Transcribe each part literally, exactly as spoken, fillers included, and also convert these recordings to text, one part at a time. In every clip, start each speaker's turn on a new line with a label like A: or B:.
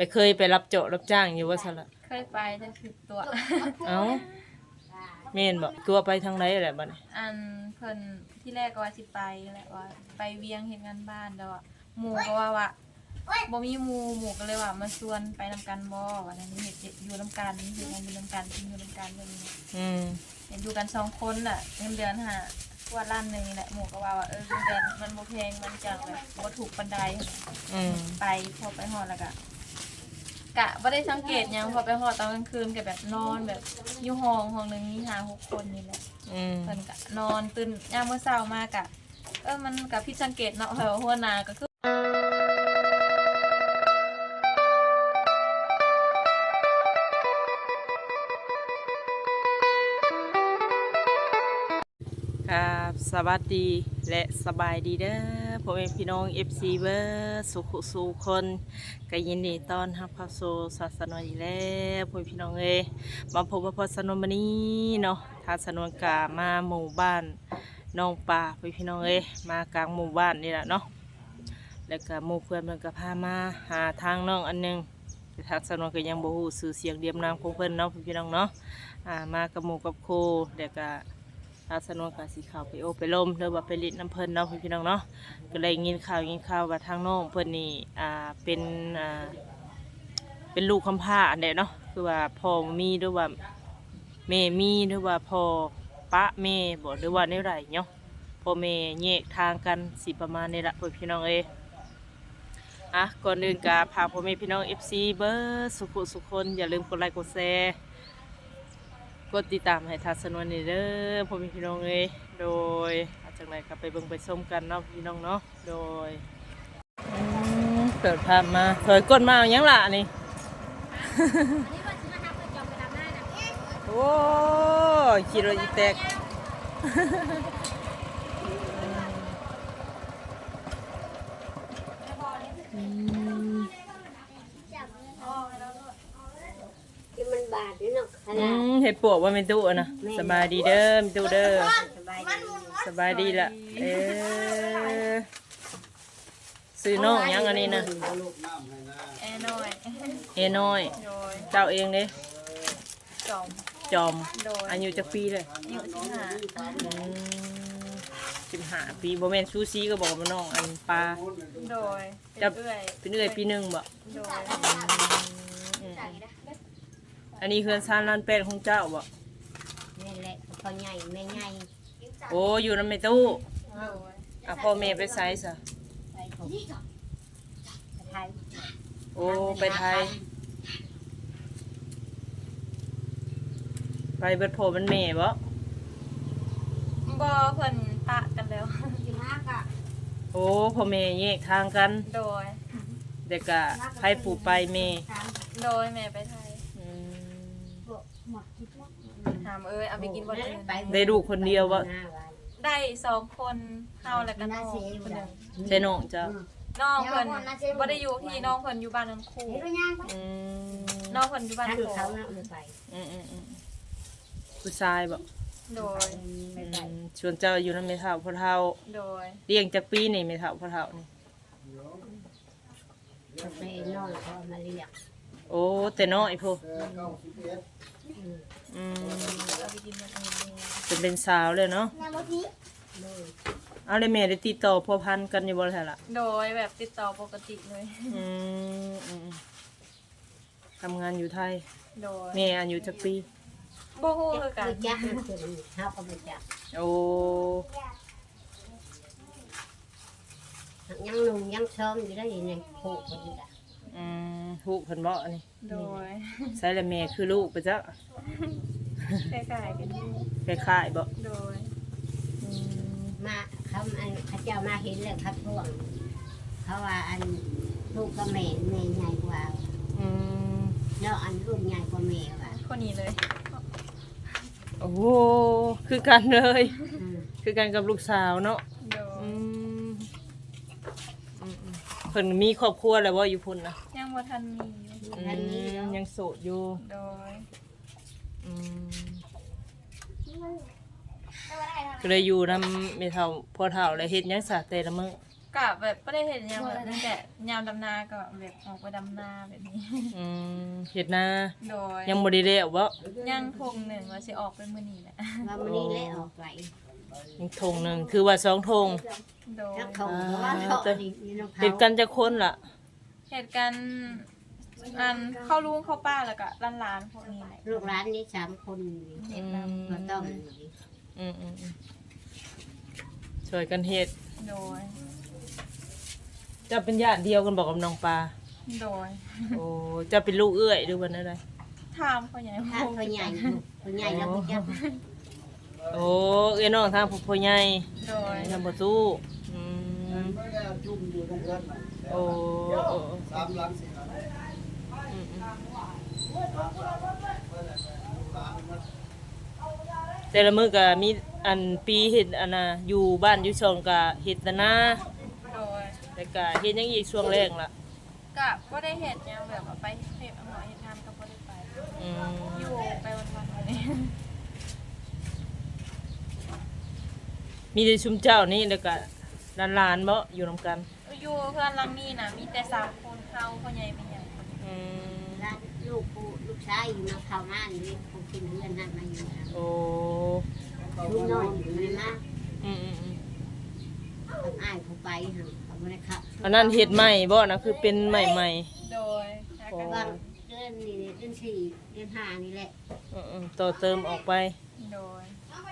A: เคยไปรับโจาะรับจ้างอยู่ว่าซั่นล่ะ
B: เคยไปแต่ผิดตัว
A: เอ้าแม่นบ่ตัวไปทางไหนแหละบัดนี้
B: อันเพิ่นที่แรกก็ว่าสิไปแหละว่าไปเวียงเฮ็ดงานบ้านแล้วอ่ะหมู่ก็ว่าว่าบ่มีหมู่หมู่ก็เลยว่ามาชวนไปนำกันบ่ว่านั้นเฮ็ดอยู่นำกันเฮ็ดงานอยู่นำกันกินอยู่นำกันแบบนี้
A: อืม
B: เห็นอยู่กันสองคนน่ะเงินเดือนหาว่าล้านนึงนี่แหละหมู่ก็ว่าว่าเออเงินเดือนมันบ่แพงมันจังแบบบ่ถูกปานใด
A: อืม
B: ไปพอไปฮอดแล้วก็กะบ่ได้สังเกตหยังพอไปฮอดตอนกลางคืนก็แบบนอนแบบอยู่ห้องห้องนึงมีห้า หกคนนี่แหละ
A: อืม
B: เพิ่นก็นอนตื่นยามมื้อเช้ามากะเออมันก็ผิดสังเกตเนาะเพราะว่าหัวหน้าก็คือ
A: ครับสวัสดีและสบายดีเด้อพ่อแม่พี่น้อง เอฟ ซี เบอร์สุขสุขคนก็ยินดีต้อนรับเข้าสู่ศาสนาอีกแล้วพ่อแม่พี่น้องเอ้ยมาพบกับพ่อสนวนมื้อนี้เนาะทางสนวนกามาหมู่บ้านน้องป่าพ่อแม่พี่น้องเอ้ยมากลางหมู่บ้านนี่แหละเนาะแล้วก็หมู่เพื่อนเพิ่นก็พามาหาทางน้องอันนึงแต่ทางสนวนก็ยังบ่ฮู้ชื่อเสียงเรียมนามของเพิ่นเนาะพ่อพี่น้องเนาะอ่ามากับหมู่กับครูแล้วก็ทางสนวนกาสีขาวไปโอไปลมหรือว่าไปลิดน้ำเพิ่นเนาะพี่น้องเนาะก็เลยยินข่าวยินข่าวว่าทางน้องเพิ่นนี่อ่าเป็นอ่าเป็นลูกคำพร้าอันเดเนาะคือว่าพ่อมีหรือว่าแม่มีหรือว่าพ่อปะแม่บ่หรือว่าในไรเนาะพ่อแม่แยกทางกันสิประมาณนี้ละพี่น้องเอ้ยอ่ะก่อนอื่นกาพาพ่อแม่พี่น้อง เอฟ ซี เบอร์สุขุสุขคนอย่าลืมกดไลค์กดแชร์กดติดตามให้ทัศนวนนี่เด้อพ่อแม่พี่น้องเอ้ยโดยอาจากไหนก็ไปเบิ่งไปชมกันเนาะพี่น้องเนาะโดยเปิดภาพมาถอยก้นมาอย่างล่ะนี่ โอ้ยขี่รถอีแตก
C: มันบาดนี่เนาะ
A: อืมเห็ดปวกว่าเป็นตู้นะสบายดีเด้อเป็นตู้เด้อสบายดีละเออซื้อน้องยังอันนี้นะ
B: แอน้อย
A: เอน้อย
B: โดย
A: เจ้าเองเด้
B: จอม
A: จอม
B: โดย
A: อายุจักปีเลย
B: อายุสิบห้า
A: สิบห้าปีโบแมนซูซีก็บอกว่าน้องอันปลา
B: โดย
A: จะเป็นเอื้อยปีหนึ่งบ่
B: โดย
A: อันนี้คือซานลานเป็ดของเจ้าบ่
C: นี่แหละพ่อใหญ่แม่ใหญ่
A: โอ้อยู่ในตู้
B: โดย
A: อ่ะพ่อแม่ไปไซส์อ่ะ
C: ไปไทย
A: โอ้ไปไทยไปเบิดโผมันแม่บ่
B: บ่เพิ่นปะกันแล้ว
A: โอ้พ่อแม่แยกทางกัน
B: โดย
A: เด็กกะไผปู่ไปแม่
B: โดยแม่ไปไทยถามเอ้ยเอาไปกินบ่ได้
A: ได้ลูกคนเดียวบ่
B: ได้สองคนเฮาแล้วก็น้องคนนึง
A: ใช่น้องเจ้า
B: น้องเพิ่นบ่ได้อยู่ที่น้องเพิ่นอยู่บ้านนันคู่
A: อืม
B: น้องเพิ่นอยู่บ้าน
C: คือเขาน่ะไป
A: อืมๆๆผู้ชายบ่
B: โดย
A: ชวนเจ้าอยู่นำแม่เฒ่าพ่อเฒ่า
B: โดย
A: เลี้ยงจักปีนี่แม่เฒ่าพ่อเฒ่านี่
C: ไปนอนเขามาเรียก
A: โอ้แต่น้อยพุอืมเป็นเป็นสาวเลยเนาะเอาเลยแม่ได้ติดต่อพัวพันกันอยู่บ่ล่ะล่ะ
B: โดยแบบติดต่อปกติเลย
A: อืมทำงานอยู่ไทย
B: โดย
A: แม่อายุจักปี
B: บ่ฮู้คือกัน
C: จ้ะเฮาก็บ่จัก
A: โอ้
C: ยังนุ่งยังชมอยู่ได้นี่ผูกคนจ้ะ
A: อืมฮู้เพิ่นบ่นี่
B: โดย
A: ใส่ละแม่คือลูกไปจ้ะ
B: คล้ายๆกัน
A: คล้ายๆบ่
B: โดย
C: มาเขาอันเขาเจ้ามาเห็นเลยครับพวกเขาว่าอันลูกกับแม่แม่ใหญ่กว่า
A: อืม
C: แล้วอันลูกใหญ่กว่าแม่ว่ะ
B: คนนี้เลย
A: โอ้โหคือกันเลยคือกันกับลูกสาวเนาะอืมเพิ่นมีครอบครัวแล้วบ่อยู่พุ่นนะ
B: ยังบ่ทันมี
A: ทันมียังโสดอยู่
B: โดย
A: อืมก็เลยอยู่นำแม่เฒ่าพ่อเฒ่าแล้วเฮ็ดหยังซะแต่ละมื้อ
B: กะแบบบ่ได้เห็นหยังแบบตั้งแต่ยามดำนาก็แบบออกไปดำนาแบบนี้
A: อืมเฮ็ดนา
B: โดย
A: ยังบ่ได้แล้วบ่
B: ย่างทงหนึ่งว่าสิออกเป็นมื้อนี้แหละ
C: ว่ามันนี่เลยออกไป
A: ยังธงหนึงคือว่าสองธง
B: โดย
C: แล้วเขาบอกว่าเขาอันนี้นี่น้องเขา
A: เฮ็ดกันจักคนล่ะ
B: เหตุการณ์อันเข้าลุงเข้าป้าแล้วก็หลานๆพวกนี้แหละ
C: ลูกร้านนี้สามคนนี่
B: เฮ็ดนำ
C: ก็ต้อง
A: อืมอืมอืมช่วยกันเฮ็ด
B: โดย
A: เจะเป็นญาติเดียวกันบอกกับน้องปลา
B: โดย
A: โอ้เจะเป็นลูกเอื้อยหรือว่าอะไร
B: ถามพ่อใหญ่
C: ถ้าเขาใหญ่เขาใหญ่แล้วก็จะ
A: โอ้เอ้ยน้องทางพ่อใหญ่
B: โดย
A: ทำประตูอืม
D: ไม่ได้จุ่มอยู่ตรงเรือนน่ะ
A: โอ้โอ้
D: สามหลังสี่หลัง
A: อืมอืมแต่ละมื้อก็มีอันปีเฮ็ดอันน่ะอยู่บ้านอยู่ช่องก็เฮ็ดแต่นา
B: โดย
A: แล้วก็เฮ็ดหยังอีกช่วงแรกล่ะ
B: กะบ่ได้เฮ็ดหยังแบบว่าไปเฮ็ดหมอเฮ็ดงานก็บ่ได้ไป
A: อืม
B: อยู่ไปวันๆวันนี้
A: มีแต่ชุมเจ้านี่แล้วก็หลานๆบ่อยู่นํกัน
B: อยู่เพื่อนหลังนี้น่ะมีแต่สามคนเฮาพ่อใหญ่แม่ใหญ่
A: อืม
C: ร้านลูกผู้ลูกชายอยู่มาเข้ามานี่คงกินเพื่อนนั่นมาอยู่แล้ว
A: โอ้
C: ลูกน้อยอยู่นี่นะ
A: อืมอืมอืม
C: ต้องอ้ายผู้ไปฮะเขาไม่ได้ขับ
A: อันนั้นเฮ็ดใหม่บ่นะคือเป็นใหม่ใหม่
B: โดยหากัน
C: ว่างเดือนนี่เดือนสี่เดือนห้านี่แหละ
A: ๆอืมๆต่อเติมออกไป
B: โดย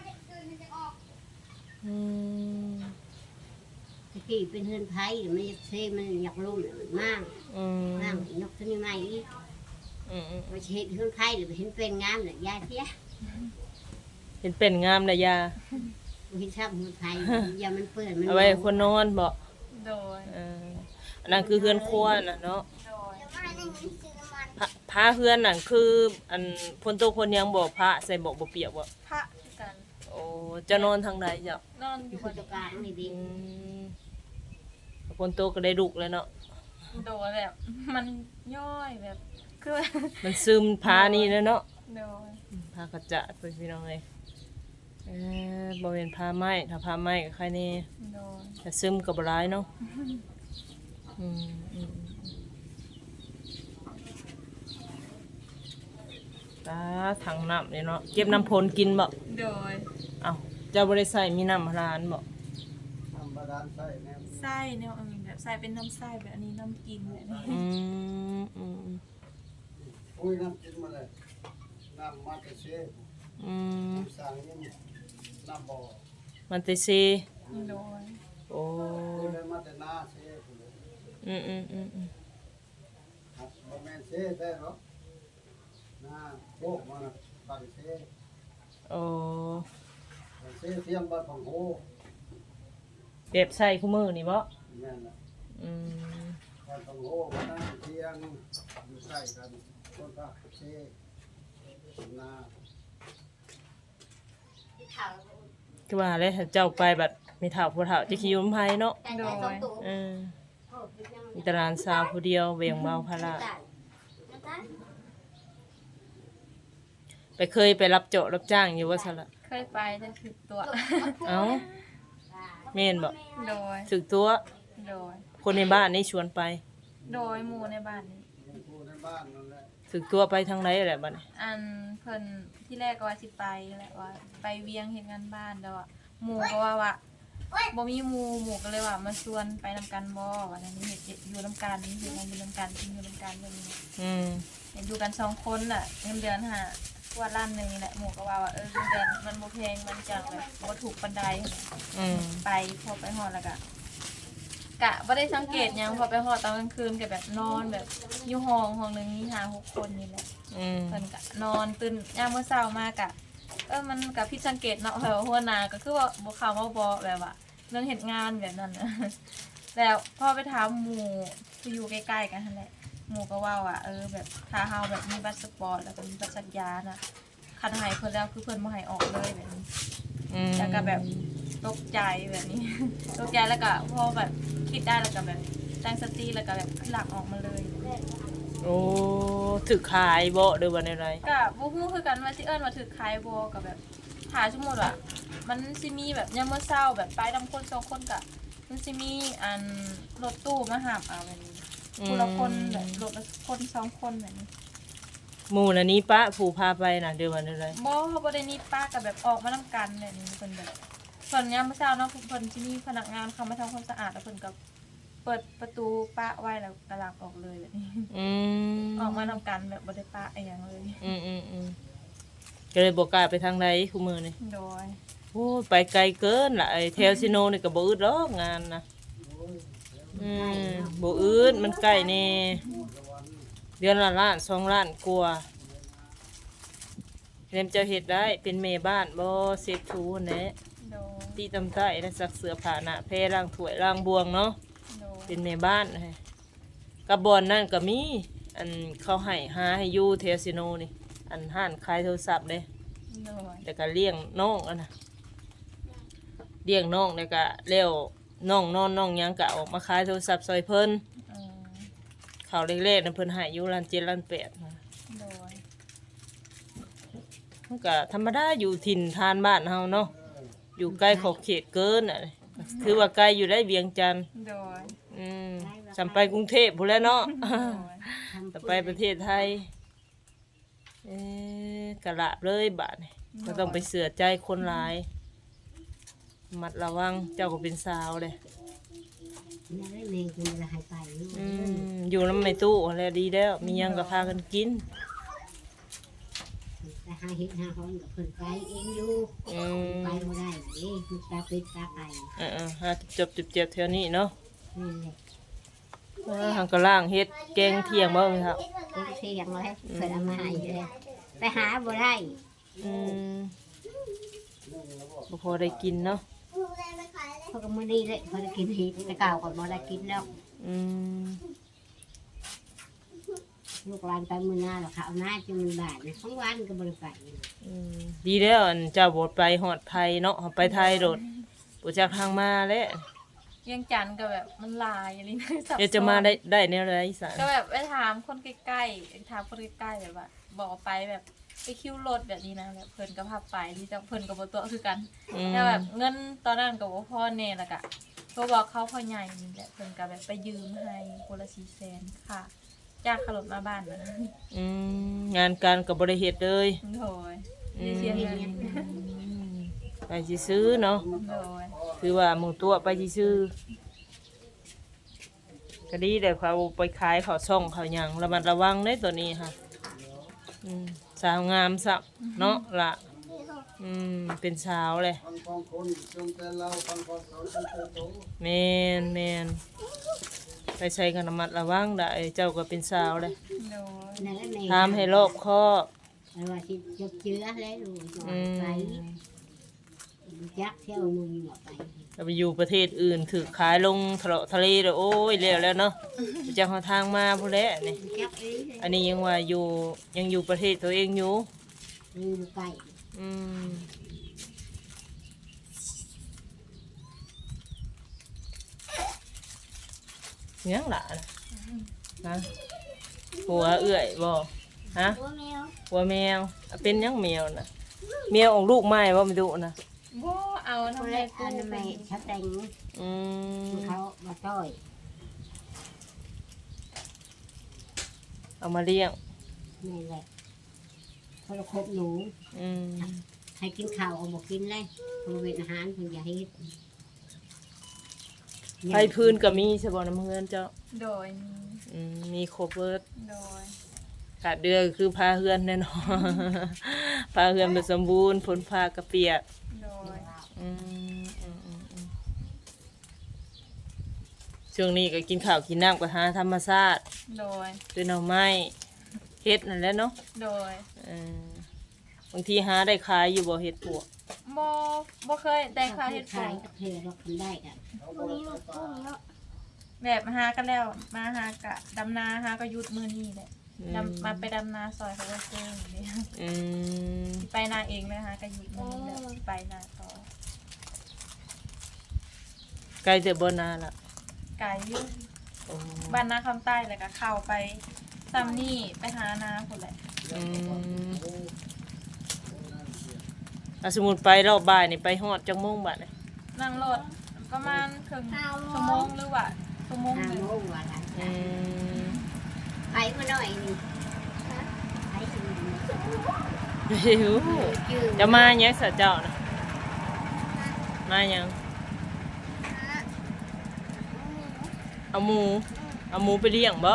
A: อืม
C: ตะกี้เป็นเฮือนไผ่มันอยากเซมันอยากลุ่มมันมาก
A: อืม
C: มากนกตัวนี้ใหม่อีก
A: อืมอืม
C: มาเช็ดเฮือนไผ่หรือเห็นเป็นงามเลยยายเทีย
A: เห็นเป็นงามนะยา
C: บ่เห็นชอบเฮือนไผ่อย่ามันเปื้อนมัน
A: เอาไว้ให้คนนอนบ่
B: โดย
A: เอออันนั้นคือเฮือนครัวน่ะเนาะ
B: โดย
A: พระพระเฮือนน่ะคืออันพนโตคนยังบ่พระใส่บ่บ่เปียกบ่
B: พระคือกัน
A: โอ้จะนอนทางไหนจ้ะ
B: นอนอยู่บ
C: ผู้
B: น
C: จัดการนี่ดี
A: อืมพนโตก็ได้ลูกแล้วเนาะ
B: โดยแบบมันย่อยแบบคือ
A: มันซึมพานี่แล้วเนาะ
B: โดย
A: พากระจะไปพี่น้องเอ้ยเออบ่เป็นพาไม้ถ้าพาไม้ก็ใครแน่
B: โดย
A: แต่ซึมก็บ่ร้ายเนาะอืมอืมตาถังน้ำนี่เนาะเก็บน้ำพลกินบ่
B: โดย
A: เอ้าเจ้าบ่ได้ใส่มีน้ำร้านบ่
D: ทำบาดาลไส้แนว
B: ไส้เนี่ยอันแบบใส่เป็นน้ำไส้แบบอันนี้น้ำกินแบบนี้
A: อืมอืม
D: อุ้ยน้ำกินมาเลยน้ำมาเตเช่
A: อืม
D: สั่งยิ่งน้ำบ่อ
A: มันเตซี
B: โดย
A: โอ้
D: อุ้ยเลยมาแต่หน้าเช่พุ่นเลย
A: อืมอืมอืมอืม
D: ครับบ่แม่นเช่ได้หรอกหน้าโบกมาน่ะบังเช่
A: โอ้
D: บังเช่เทียมบ้านของโห
A: เก็บใส่คู่มือนี่บ่
D: แม่นน่ะ
A: อืม
D: บ้านของโหมานั่งเทียงอยู่ใกล้กันคนก็เช่หน้า
A: คือว่าแล้วเจ้าไปบัดมีเฒ่าผู้เฒ่าจะขี่ยมไผเนาะ
C: แต่ได้สองตัว
A: เออมีแตหลานสาวผู้เดียวเวียงเบาภาระไปเคยไปรับเจาะรับจ้างอยู่ว่าซั่นล่ะ
B: เคยไปแต่ถึกตัว
A: เอ้าแม่นบ่
B: โดย
A: ถึกตัว
B: โดย
A: คนในบ้านนี่ชวนไป
B: โดยหมู่ในบ้านนี้
D: ผู้ในบ้านนั่นแหละ
A: ถึกตัวไปทางไหนแหละบัดนี้
B: อันเพิ่นที่แรกก็ว่าสิไปแหละว่า ไปเวียงเฮ็ดงานบ้านแล้วอ่ะหมู่ก็ว่าว่าบ่มีหมู่หมู่ก็เลยว่ามาชวนไปนำกันบ่ว่าอันนี้เฮ็ดอยู่นำกันเฮ็ดงานอยู่นำกันกินอยู่นำกันแบบนี้
A: อืม
B: เห็นอยู่กันสองคนน่ะเงินเดือนหาว่าล้านหนึงนี่แหละหมู่ก็ว่าว่าเออเงินเดือนมันบ่แพงมันจังแบบบ่ถูกปานใด
A: อืม
B: ไปพอไปฮอดแล้วก็กะบ่ได้สังเกตหยังพอไปฮอดตอนกลางคืนก็แบบนอนแบบอยู่ห้องห้องหนึงมีห้าหกคนนี่แหละ
A: อืม
B: เพิ่นก็นอนตื่นยามมื้อเช้ามากะเออมันก็ผิดสังเกตเนาะแบบว่าหัวหน้าก็คือว่าบ่เข้ามาบ่แบบว่าเรื่องเฮ็ดงานแบบนั้นน่ะ แล้วพอไปถามหมู่ที่อยู่ใกล้ๆกันนั่นแหละหมู่ก็ว่าว่าเออแบบถ้าเฮาแบบมีบัตรสปอร์ตแล้วก็มีบัตรสัญญาน่ะคันให้เพิ่นแล้วคือเพิ่นบ่ให้ออกเลยแบบนี้
A: อืม
B: แล้วก็แบบตกใจแบบนี้ ตกใจแล้วก็พอแบบคิดได้แล้วก็แบบตั้งสติแล้วก็แบบหลักออกมาเลย
A: โอ้ถึกขายบ่หรือว่าในไร
B: ก็บ่ฮู้คือกันว่าสิเอิ้นว่าถือขายบ่ก็แบบถ้าสมมุติว่ามันสิมีแบบยามมื้อเช้าแบบไปนำคนสองคนก็มันสิมีอันรถตู้มาหาบเอาแบบนี้คนละคนแบบรถละคนสองคนแบบนี้
A: หมู่น่ะนี้ป้าผู้พาไปน่ะเดี๋ยววันอะไร
B: บ่เขาบ่ได้นี่ป้ากับแบบออกมานํกันแบบนี้เพิ่นแบบส่วนยามมื้อเช้าเนาะเพิ่นที่นี่พนักงานเข้ามาทำความสะอาดแล้วเพิ่นก็เปิดประตูป้าไว้แล้วกระลักออกเลยแบบนี้
A: อืม
B: ออกมานํกันแบบบ่ได้ป้าอีหยังเลย
A: อืมอืมอืมก็เลยบอกกล้าไปทางใดคู่มือนี่
B: โดย
A: โอ้ยไปไกลเกินล่ะไอ้แถวซิโนนี่ก็บ่อึดหรอกงานนะอืมบ่อึดมันใกล้แน่เดือนละล้านสองล้านกว่าเรียมเจ้าเฮ็ดได้เป็นแม่บ้านบ่เซฟทูนั่นแหละ
B: โดย
A: ตีตำใต้และซักเสื้อผ้าหน้าแพรล้างถ้วยล้างบวงเนาะ
B: โดย
A: เป็นแม่บ้านให้กับบอนนั่นก็มีอันเขาให้หาให้อยู่แถวซิโนนี่อันห้านขายโทรศัพท์เด้
B: โดย
A: แต่ก็เลี้ยงน้องอันน่ะเลี้ยงน้องแล้วก็แล้วน้องนอนน้องหยังก็ออกมาขายโทรศัพท์ซอยเพิ่น
B: เออ
A: ข้าวเล็กๆนั่นเพิ่นให้อยู่ล้านเจ็ดล้านแปดนะ
B: โดย
A: มันก็ธรรมดาอยู่ถิ่นทานบ้านเฮาเนาะอยู่ใกล้ขอบเขตเกินน่ะถือว่าไกลอยู่ได้เวียงจันทน์
B: โดย
A: อืมจำไปกรุงเทพพู้นแหล้วเนาะ
B: โดย
A: จะไปประเทศไทยเอ๊ะกะละเลยบาดนี่ก็ต้องไปเสือใจคนหลายมัดระวังเจ้าก็เป็นสาวเลย
C: นั่นแหละแม่กินละให้ไปลูก
A: อืมอยู่น้ำไม่ตู้อะไรดีแล้วมีหยังก็พากันกิน
C: แต่หาเห็ดหาหอนกับเพิ่นไปเองอยู่
A: อืม
C: ไปบ่ได้เด้มันตาเป็ดตาไก่
A: เออๆหาจบจุบเจ็บแถวนี้เนาะ
C: นี่แหละ
A: เออหังกะล่างเฮ็ดแกงเที่ยงบ่ครับ
C: เพิ่นเสียงเลยเพิ่นเอามาให้เลยไปหาบ่ได้
A: อืมบ่พอได้กินเนาะ
C: เพราะก็มื้อนี้เลยเพิ่นกินเห็ดแต่เก่าก่อนบ่ได้กินแล้ว
A: อืม
C: ลูกหลานไปมื้อหน้าแล้วค่ะเอาหน้าจนมันบาดนะทั้งวันก็บ่ได้ไป
A: อืมดีแล้วอันเจ้าบ่ไปฮอดไทยเนาะไปไทยโดดบ่จักทางมาแล้ว
B: เวียงจันทน์ก็แบบมันหลายอะไรนะซับซ้อน
A: เดี๋ยวจะมาได้ได้แนวใดอีสาน
B: ก็แบบไปถามคนใกล้ๆถามคนใกล้ๆแบบว่าบอกว่าไปแบบไปคิวรถแบบนี้นะแบบเพิ่นก็พาไปที่จะเพิ่นกับตัวคือกัน
A: อืม
B: แต่แบบเงินตอนนั้นกับว่าพ่อเน่ละกะโทรบอกเขาพ่อใหญ่นี่แหละเพิ่นก็แบบไปยืมให้คนละสี่แสนค่ะจากขลบมาบ้านนะ
A: อืมงานการกับบริเหตุเลย
B: โดยได้เสียเงิน
A: ไปสิซื้อเนาะ
B: โดย
A: คือว่าหมูตัวไปสิซื้อก็ดีแต่เขาไปขายเขาช่องเขาหยังระมัดระวังได้ตัวนี้ค่ะอืมสาวงามสักเนาะละอืมเป็นสาวเลย
D: ฟังของคนจงแต่เราฟังของเขาจงแต่โต
A: แมนแมนไปใช้กันระมัดระวังได้เจ้าก็เป็นสาวเลย
B: โดย
C: นั่นแหละแม่
A: ทำให้รอบคอบ
C: แต่ว่าสิจบเจือแล้วลูก
A: อืม
C: ไปจักเที่ยวมึงหมดไป
A: จะไปอยู่ประเทศอื่นถือขายลงทะเลทะเลเลยโอ้ยแล้วแล้วเนาะจะหาทางมาพูดแล้วนี่
C: จักเอ้ยเลย
A: อันนี้ยังว่าอยู่ยังอยู่ประเทศตัวเองอยู่
C: มึงไก่
A: อืมยังหล่ะนะหัวเอื้อยบ่ฮะ
C: ตัวแมว
A: หัวแมวอ่ะเป็นยังแมวนะแมวออกลูกไม้บ่ไม่ดูนะ
B: บ่เอา
C: ตัว
B: ทำไม
C: เล็ก
B: กู
C: อันนั้นไม่ชัดแต่ง
A: อืม
C: เขามาต้อย
A: เอามาเลี้ยง
C: นี่แหละเขาจะคบหนู
A: อืม
C: ให้กินข้าวเอาบอกกินเลยบริเวณอาหารเพิ่นอย่าให้
A: ไฟพื้นก็มีใช่บ่น้ำเฮือนเจ้า
B: โดยมี
A: อืมมีครบเบิด
B: โดย
A: ขาดเดือก็คือพาเฮือนแน่นอน พาเฮือนเป็นสมบูรณ์ฝนพากระเปียก
B: โดย
A: อืมอืมอืมอืมช่วงนี้ก็กินข้าวกินน้ำกับหาธรรมชาติ
B: โดย
A: ด้วยหน่อไม้เฮ็ดนั่นแหละเนาะ
B: โดย
A: เออบางทีหาได้ขายอยู่บ่เฮ็ดปวก
B: บ่บ่เคยได้ค่าเฮ็ด
C: ขา
B: ขาย ย
C: กับเธอเราทำได้กัน
B: แบบหากันแล้วมาหากะดำนาหาก็หยุดมื้อนี้แหละ
A: อืม
B: ดำมาไปดำนาซอยเขาก็เจออย่างนี้
A: อืม
B: ไปนาเองเลยฮะก็หยุดมื้อนี้แล้วไปนาต่อ
A: ใกล้จะบ่นาละ
B: ไกลอยู่
A: โอ้
B: บ้านนาคำใต้แล้วก็เข้าไปซัมนี่ไปหานาพุ่นแหละ
A: อืมถ้าสมมุติไปรอบบ่ายนี่ไปฮอดจังโมงบัดนี่
B: นั่งรถประมาณครึ่งชั่วโมงหรือว่าชั่วโมง
C: ห้า
B: หนึง
C: โมงว่าหลาน
A: อืม
C: ไปมาหน่อยนี่ไปสิ
A: หิว
C: จืด
A: จะมาเนี้ยสะเจ้านะมายังเอาหมูเอาหมูไปเลี้ยงบ่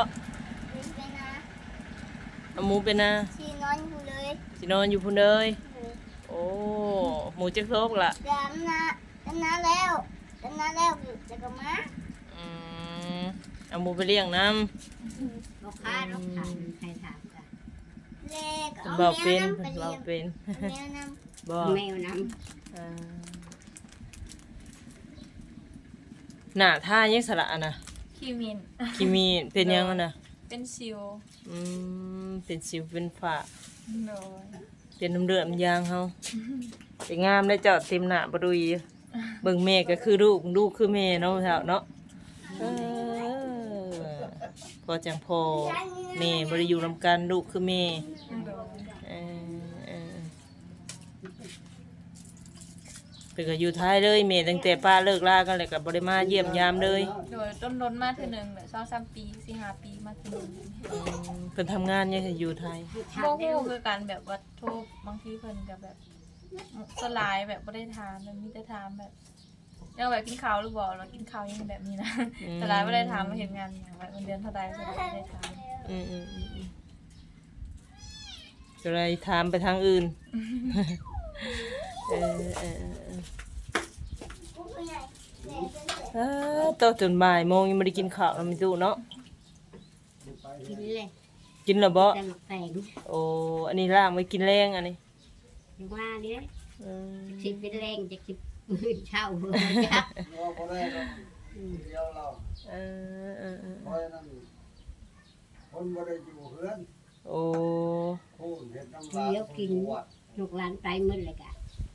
A: เอาหมูไปนะ
E: ชีนอนอยู่เลย
A: สินอนอยู่พุ่นเลยโอ้หมูจักโซกล่ะ
E: ดำนะดำน้ำแล้วดำน้ำแล้วจะกลับมา
A: อืมเอาหมูไปเลี้ยงน้
C: ลูกค้าลูกค้าใครถามกัน
E: เล็ก
A: ำ
E: เอา
A: เบา
E: แม
A: เป็
E: วน น้ำไป
A: เบา
E: เลี้ยง
A: เป็น
E: แมวน้
A: บ่
C: แมวน้
A: อ่าหน้าท่ายังสระอะนะ
B: คิมิน
A: คิมีเป็นยังอะนะ
B: เป็นซิว
A: อืมเป็นสิวเป็นฝ้า
B: โดย
A: เป็นน้ำเลือดน้ำยางเฮาเป็นงามได้เจอดเต็มหน้าบ่ดุยเบิ่งแม่ก็คือลูกลูกคือแม่เนาะเฒ่าเนาะเออพอจังพอแม่บ่ได้อยู่นำกันลูกคือแม่
B: โดย
A: เออเออเพิ่นก็อยู่ท้ายเลยแม่ตั้งแต่ป้าเลิกลากันแล้วก็บ่ได้มาเยี่ยมยามเลย
B: โดยต้นรนมาเทื่อหนึงแบบสองสามปีสี่ห้าปีมาเทื่อหนึง
A: อืมเพิ่นทำงานยังอยู่ไทย
C: ำ
B: บ่ฮู้คือกันแบบว่าโทรบางทีเพิ่นก็แบบสลายแบบบ่ได้ถามมันมีแต่ถามแบบยังแบบกินข้าวหรือบ่เรากินข้าวยังแบบนี้นะสลายบ่ได้ถามว่าเฮ็ดงานหยังแบบเงินเดือนเท่าใดสลายบ่ได้ถาม
A: อืมอืมอืมอืมก็เลยถามไปทางอื่น เออเออเออเออ เออโตจนบ่ายโมงยังไม่ได้กินข้าวแล้วไม่ตู้เนาะ
C: กินเลย
A: กินแล้วบ่
C: แต่หมักแตง
A: โอ้อันนี้ล่างไว้กินแรงอันนี้
C: อยู่ว่านี่เลย
A: อืม
C: สิเป็นแรงจะคิดเช่าหัวจ้ะ
D: เราก็ได้เราเดียวเรา
A: เออเออเออ
D: เพราะฉะนั้นคนบ่ได้อยู่เฮือน
A: โอ้
D: ผู้เห็นน้ำลายผู้อยู่วัด
C: ลูกหลานไปหมืดเลยกะ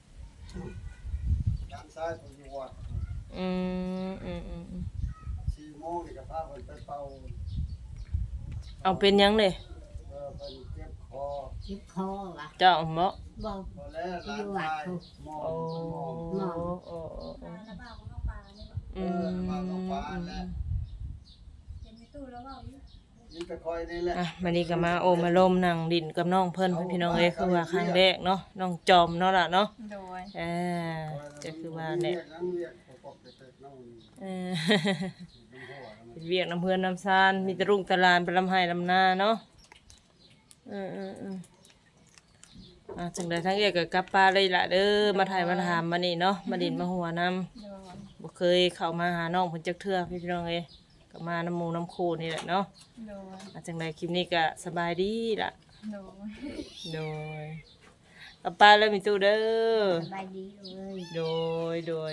D: ด้านซ้ายผู้อยู่วัด
A: อืมอืมอืมอืม
D: สี่โมงนี่ก็พาเพิ่นไปเป่า
A: เอาเป็นยังเลย
D: เออเพิ่นเจ็บคอ
C: ยิบคอวะ
A: เจ้าบ่
C: บ่
D: พอแล้วหลานชายมอง
A: โอ้
D: มอง
A: โอ้โอ้โอ้
E: ำบ้าของน้องปลาเนี่ย
D: เอ
A: อื
D: อ
A: ม
D: มาลงฟ้าแล้ว
E: เห็นในตู้แล้วว่าอยู่
D: ยินตะคอยนี่แหละ
A: อ่ะมันนี้ก็มาโอมาลมนั่งดินกับน้องเพิ่นพี่น้องเอ้ยคือว่าครั้งแรกเนาะน้องจอมเนาะล่ะเนาะ
B: โดย
A: อ่าก็คือว่าแหละ
D: เรียกนั้นเรียกปกติน้อง
A: เออ
D: น้ำหัว
A: เวียกน้ำเพื่อนน้ำซานมีแตะรุ่งตะลานไปลำไห้ลำนาเนาะเออเออเอออ่ะจังใดทั้งเอกกับกลับป้าเลยล่ะเด้อมาถ่ายมาถามมานี่เนาะมาดินมาหัวน้
B: โดย
A: ำบ่เคยเข้ามาหาน้องเพิ่นจักเทื่อพี่น้องเอ้ยก็มาน้ำหมูน้ำโคนี่แหละเนาะ
B: โดย
A: อ่ะจังใดคลิปนี้ก็สบายดีล่ะ
B: โดย
A: โดยกลับป้าเลยมีตู้เด้อ
C: สบายดีเลย
A: โดยโดย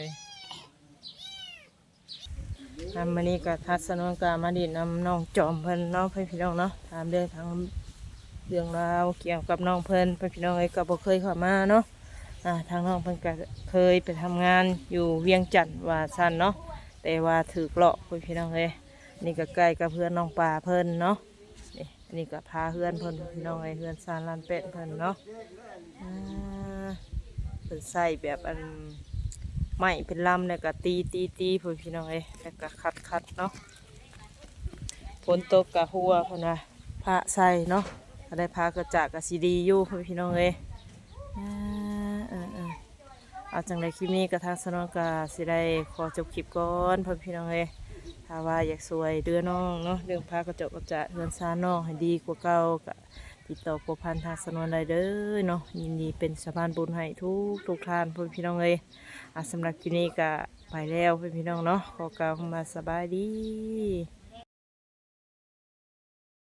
A: ทำมานี่ก็ทัศนกามาดินนำน้องจอมเพิ่นเนาะพี่น้องเนาะถามเรื่องทางเรื่องราวเกี่ยวกับน้องเพิ่นพี่น้องเอ้ยก็บ่เคยเข้ามาเนาะอ่าทางน้องเพิ่นก็เคยไปทำงานอยู่เวียงจันทน์ว่าซั่นเนาะแต่ว่าถูกหลอกพี่น้องเอ้ยนี่ก็ใกล้กับเพื่อนน้องปลาเพิ่นเนาะนี่อันนี้ก็พาเพื่อนเพิ่นพี่น้องเอ้ยเพื่อนซานลานเป็ดเพิ่นเนาะอ่าเพิ่นใส่แบบอันไม้เป็นลำแล้วก็ตีตีตีเพิ่นพี่น้องเอ้ยแล้วก็คัดคัดเนาะฝนตกกะหัวเพิ่นว่าพระใส่เนาะก็ได้พากระจากกับซีดีอยู่เพิ่นพี่น้องเอ้ยอ่าเออเออเอาจังไดคลิปนี้กระทางสนองกาสิได้ขอจบคลิปก่อนเพิ่นพี่น้องเอ้ยถ้าว่าอยากสวยเดือน้องเนาะเรื่องพากระจกกระจะเฮือนซานน้องให้ดีกว่าเก่าก็ติดต่อผัวพันทางสนวนได้เด้อเนาะยินดีเป็นสะพานบุญให้ทุกทุกท่านเพิ่นพี่น้องเอ้ยอ่ะสำหรับคลิปนี้ก็ไปแล้วเพิ่นพี่น้องเนาะขอกล่าวคำว่าสบายดี